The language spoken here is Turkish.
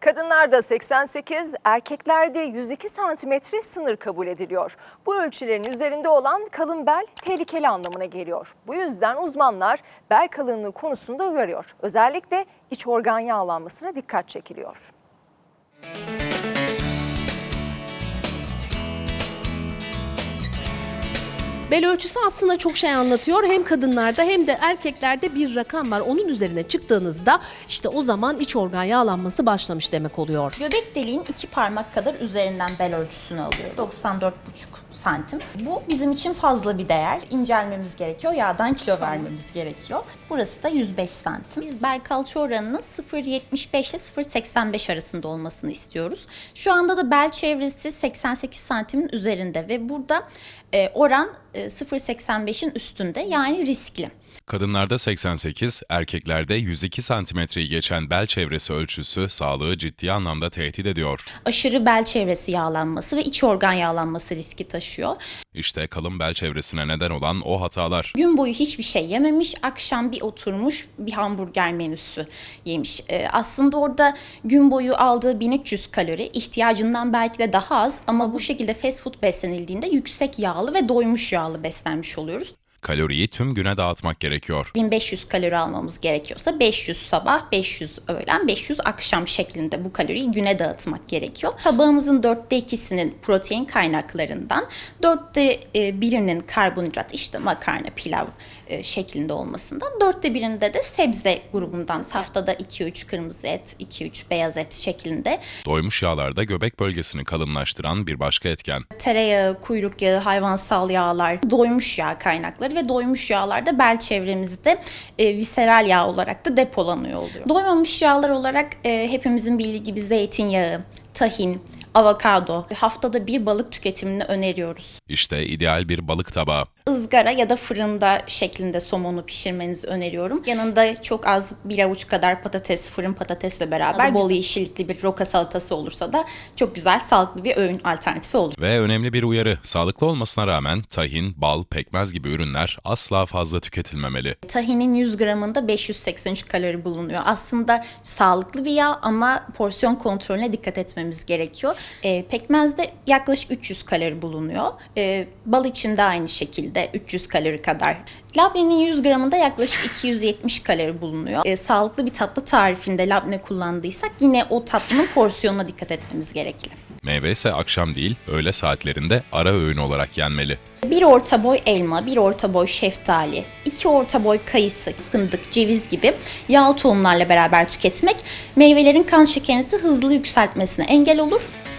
Kadınlarda 88, erkeklerde 102 santimetre sınır kabul ediliyor. Bu ölçülerin üzerinde olan kalın bel tehlikeli anlamına geliyor. Bu yüzden uzmanlar bel kalınlığı konusunda uyarıyor. Özellikle iç organ yağlanmasına dikkat çekiliyor. Bel ölçüsü aslında çok şey anlatıyor. Hem kadınlarda hem de erkeklerde bir rakam var. Onun üzerine çıktığınızda işte o zaman iç organ yağlanması başlamış demek oluyor. Göbek deliğin 2 parmak kadar üzerinden bel ölçüsünü alıyor. 94,5 santim. Bu bizim için fazla bir değer. İncelmemiz gerekiyor, yağdan kilo vermemiz gerekiyor. Burası da 105 santim. Biz bel kalça oranının 0,75 ile 0,85 arasında olmasını istiyoruz. Şu anda da bel çevresi 88 santimin üzerinde ve burada oran 0,85'in üstünde, yani riskli. Kadınlarda 88, erkeklerde 102 santimetreyi geçen bel çevresi ölçüsü sağlığı ciddi anlamda tehdit ediyor. Aşırı bel çevresi yağlanması ve iç organ yağlanması riski taşıyor. İşte kalın bel çevresine neden olan o hatalar. Gün boyu hiçbir şey yememiş, akşam bir oturmuş bir hamburger menüsü yemiş. Aslında orada gün boyu aldığı 1300 kalori, ihtiyacından belki de daha az, ama bu şekilde fast food beslenildiğinde yüksek yağlı ve doymuş yağlı beslenmiş oluyoruz. Kaloriyi tüm güne dağıtmak gerekiyor. 1500 kalori almamız gerekiyorsa 500 sabah, 500 öğlen, 500 akşam şeklinde bu kaloriyi güne dağıtmak gerekiyor. Tabağımızın 2/4'inin protein kaynaklarından, 1/4'inin karbonhidrat, işte makarna, pilav şeklinde olmasından, 1/4'inde de sebze grubundan, haftada 2-3 kırmızı et, 2-3 beyaz et şeklinde. Doymuş yağlarda göbek bölgesini kalınlaştıran bir başka etken. Tereyağı, kuyruk yağı, hayvansal yağlar, doymuş yağ kaynakları ve doymuş yağlar da bel çevremizde viseral yağ olarak da depolanıyor oluyor. Doymamış yağlar olarak hepimizin bildiği gibi zeytinyağı, tahin, avokado, haftada bir balık tüketimini öneriyoruz. İşte ideal bir balık tabağı. Izgara ya da fırında şeklinde somonu pişirmenizi öneriyorum. Yanında çok az bir avuç kadar patates, fırın patatesle beraber bol yeşillikli bir roka salatası olursa da çok güzel, sağlıklı bir öğün alternatifi olur. Ve önemli bir uyarı, sağlıklı olmasına rağmen tahin, bal, pekmez gibi ürünler asla fazla tüketilmemeli. Tahinin 100 gramında 583 kalori bulunuyor. Aslında sağlıklı bir yağ ama porsiyon kontrolüne dikkat etmemiz gerekiyor. Pekmezde yaklaşık 300 kalori bulunuyor. Bal için de aynı şekilde 300 kalori kadar. Labnenin 100 gramında yaklaşık 270 kalori bulunuyor. Sağlıklı bir tatlı tarifinde labne kullandıysak yine o tatlının porsiyonuna dikkat etmemiz gerekli. Meyve ise akşam değil, öğle saatlerinde ara öğün olarak yenmeli. 1 orta boy elma, 1 orta boy şeftali, 2 orta boy kayısı, fındık, ceviz gibi yağlı tohumlarla beraber tüketmek meyvelerin kan şekerinizi hızlı yükseltmesine engel olur.